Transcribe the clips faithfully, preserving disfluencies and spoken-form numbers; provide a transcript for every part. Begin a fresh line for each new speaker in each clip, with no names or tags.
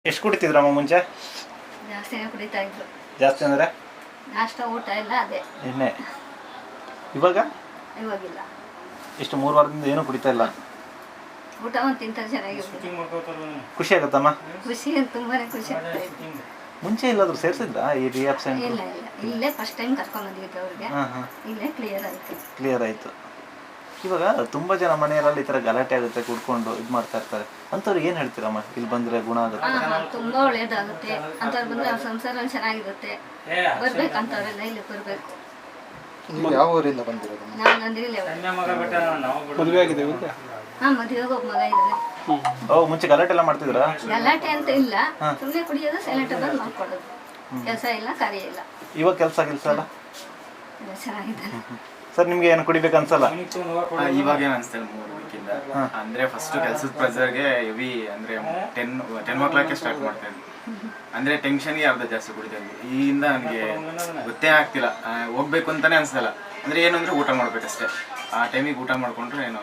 ಎಷ್ಟು ಕುಡಿತಿದ್ರಮ್ಮ ಮುಂಚೆ?
ಜಾಸ್ತಿನೇ ಕುಡಿತಾ ಇದ್ರು.
ಜಾಸ್ತಿ ಅಂದರೆ
ನಾಷ್ಟ ಊಟ ಎಲ್ಲ ಅದೇ
ಎಣ್ಣೆ. ಇವಾಗ
ಇವಾಗಿಲ್ಲ.
ಇಷ್ಟು ಮೂರು ವಾರದಿಂದ ಏನೂ ಕುಡಿತಾ ಇಲ್ಲ.
ಊಟ ಒಂದು ತಿಂತಾರೆ ಚೆನ್ನಾಗಿರುತ್ತೆ.
ಖುಷಿ ಆಗುತ್ತಮ್ಮ?
ಖುಷಿ ತುಂಬಾನೇ ಖುಷಿ ಆಗ್ತಾ ಇದೆ.
ಮುಂಚೆ ಇಲ್ಲಾದ್ರೂ ಸೇರಿಸಿದ್ರಾ ಈ ರಿಯಾಪ್ ಸೆಂಟರ್?
ಇಲ್ಲ ಇಲ್ಲ ಇಲ್ಲೇ ಫಸ್ಟ್ ಟೈಮ್ ಕರ್ಕೊಂಡು ಬಂದಿದ್ದೆ ಅವ್ರಿಗೆ.
ಹಾಂ ಹಾಂ
ಇಲ್ಲೇ ಕ್ಲಿಯರ್ ಆಯಿತು.
ಕ್ಲಿಯರ್ ಆಯಿತು. ಇವಾಗ ತುಂಬ ಜನ ಮನೆಯಲ್ಲಿ ಈ ಥರ ಗಲಾಟೆ ಆಗುತ್ತೆ, ಕುಡ್ಕೊಂಡು ಇದು ಮಾಡ್ತಾ ಇರ್ತಾರೆ. ಅಂಥವ್ರಿಗೆ ಏನು ಹೇಳ್ತೀರಮ್ಮ? ಇಲ್ಲಿ ಬಂದರೆ ಗುಣ ಆಗುತ್ತೆ?
ಹಾಂ ತುಂಬ ಒಳ್ಳೇದಾಗುತ್ತೆ ಅಂಥವ್ರು ಬಂದರೆ ಅವ್ರ ಸಂಸಾರ ಚೆನ್ನಾಗಿರುತ್ತೆ. ಬರ್ಬೇಕಂತವ್ರೆಲ್ಲ ಇಲ್ಲಿ ಬರಬೇಕು.
ಯಾವ ಊರಿಂದ ಬಂದಿರೋದು?
ನಾವು ನಂದಿರಿಲೇ.
ಮದುವೆ ಆಗಿದೆ ಇವಾಗ?
ಹಾಂ ಮದುವೆಗೆ ಒಬ್ಬ ಮಗ ಇದ್ದಾನೆ.
ಓ ಮುಂಚೆ ಗಲಾಟೆ ಎಲ್ಲ ಮಾಡ್ತಿದ್ರಾ?
ಗಲಾಟೆ ಅಂತ ಇಲ್ಲ, ಸುಮ್ಮನೆ ಕುಡಿಯೋದು, ಸೈಲೆಂಟ್ ಬಂದು ಮಾಡ್ಕೊಡೋದು. ಕೆಲಸ ಇಲ್ಲ, ಕಾರ್ಯ ಇಲ್ಲ.
ಇವಾಗ ಕೆಲಸ ಕೆಲಸ ಎಲ್ಲ
ಎಲ್ಲ ಚೆನ್ನಾಗಿದ್ದಾನೆ.
ಸರ್ ನಿಮ್ಗೆ ಏನು ಕುಡಿಬೇಕು ಅನ್ಸಲ್ಲ?
ಇವಾಗ ಏನು ಅನಿಸ್ತಲ್ಲ ಮೂರು ವೀಕಿಂದ. ಅಂದ್ರೆ ಫಸ್ಟ್ ಕೆಲಸದ ಪ್ರೆಸರ್ಗೆ ಹೆವಿ ಅಂದ್ರೆ ಟೆನ್ ಟೆನ್ ಓ ಕ್ಲಾಕ್ಗೆ ಸ್ಟಾರ್ಟ್ ಮಾಡ್ತಾ ಇದ್ವಿ. ಅಂದ್ರೆ ಟೆನ್ಷನ್ಗೆ ಅರ್ಧ ಜಾಸ್ತಿ ಕುಡಿತಾ ಇದ್ವಿ. ಈಗಿಂದ ನನಗೆ ಗೊತ್ತೇ ಆಗ್ತಿಲ್ಲ, ಹೋಗ್ಬೇಕು ಅಂತಾನೆ ಅನ್ಸಲ್ಲ. ಅಂದ್ರೆ ಏನು ಅಂದ್ರೆ ಊಟ ಮಾಡ್ಬೇಕಷ್ಟೇ. ಆ ಟೈಮಿಗೆ ಊಟ ಮಾಡ್ಕೊಂಡ್ರೆ ಏನೋ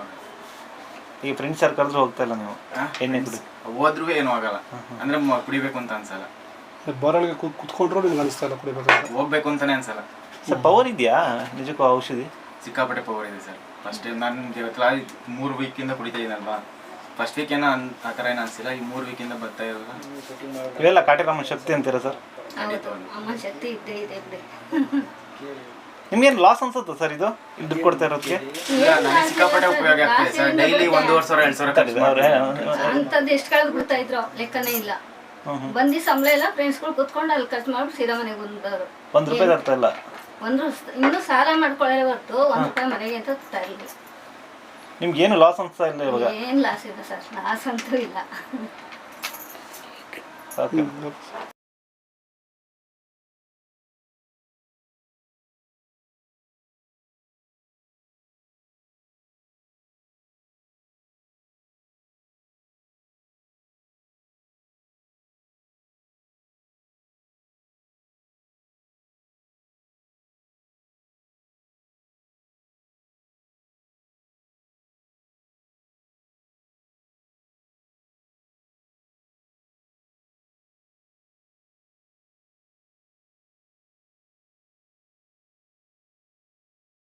ಈ ಫ್ರೆಂಡ್ಸ್ ಯಾರು ಕರೆದ್ರು ಹೋಗ್ತಾ ಇಲ್ಲ ನೀವು? ಎಣ್ಣೆ ಕುಡಿ
ಹೋದ್ರೂ ಏನೂ ಆಗಲ್ಲ. ಅಂದ್ರೆ ಕುಡಿಬೇಕು ಅಂತ ಅನ್ಸಲ್ಲ.
ಬೋರೊಳಗೆ ಕುತ್ಕೊಂಡ್ರು ನಿಮ್ಗೆ ಅನಿಸ್ತಾ ಇಲ್ಲ ಕುಡಿಬೇಕು?
ಹೋಗ್ಬೇಕು ಅಂತಾನೆ ಅನ್ಸಲ್ಲ.
ಸರ್ ಪವರ್ ಇದೆಯಾ ನಿಜಕ್ಕೂ ಔಷಧಿ?
ಸಿಕ್ಕಾಪಟ್ಟೆ ಪವರ್ ಇದೆ ಸರ್. ಫಸ್ಟ್ ನಾನು ಇವತ್ತು ಮೂರು ವೀಕಿಂದ ಕುಡಿತಾ ಇದ್ದೀನಲ್ವಾ, ಫಸ್ಟ್ ವೀಕ್ ಏನೋ ಅನ್ ಆ ಥರ ಏನೋ ಅನಿಸಿಲ್ಲ. ಈ ಮೂರು ವೀಕಿಂದ ಬರ್ತಾ ಇರೋಲ್ಲ.
ಇವೆಲ್ಲ ಕಾಟಿರಾಮನ ಶಕ್ತಿ ಅಂತೀರಾ ಸರ್?
ಅಮ್ಮ ಶಕ್ತಿ ಇದ್ದೇ ಇದೆ ಬಿಡಿ.
ನಿಮ್ಗೇನು ಲಾಸ್ ಅನ್ಸುತ್ತಾ ಸರ್ ಇದು ಇಲ್ಲಿ ದುಡ್ಡು ಕೊಡ್ತಾ ಇರೋದಕ್ಕೆ?
ಇಲ್ಲ, ನನಗೆ ಸಿಕ್ಕಾಪಟ್ಟೆ ಉಪಯೋಗ ಆಗ್ತದೆ ಸರ್. ಡೈಲಿ ಒಂದೂವರೆ ಸಾವಿರ ಎರಡು ಸಾವಿರ ಖರ್ಚು ಮಾಡ್ತಾರೆ.
ಅಂಥದ್ದು ಎಷ್ಟು ಕಳೆದು ಬಿಡ್ತಾ ಇದ್ರು ಲೆಕ್ಕನೇ ಇಲ್ಲ. ಬಂದು ಸಂಬಳ ಎಲ್ಲ ಫ್ರೆಂಡ್ಸ್ಗಳು ಕುತ್ಕೊಂಡು ಅಲ್ಲಿ ಖರ್ಚು ಮಾಡ್ಬಿಟ್ಟು ಸೀದಾ ಮನೆಗೆ ಬಂದವರು.
ಒಂದು ರೂಪಾಯಿ ತರ್ತಾ ಇಲ್ಲ.
ಒಂದು ಇನ್ನೂ ಸಾಲ ಮಾಡ್ಕೊಳ್ಳೋ ಹೊರತು ಒಂದು ರೂಪಾಯಿ ಮನೆಗೆ ಅಂತ ತರ್ತಾ ಇಲ್ಲ.
ನಿಮ್ಗೆ ಏನು ಲಾಸ್ ಅನ್ಸ್ತಾ ಇಲ್ಲ ಇವಾಗ?
ಏನು ಲಾಸ್ ಇದೆ ಸರ್? ಲಾಸ್ ಅಂತೂ ಇಲ್ಲ.
ಓಕೆ.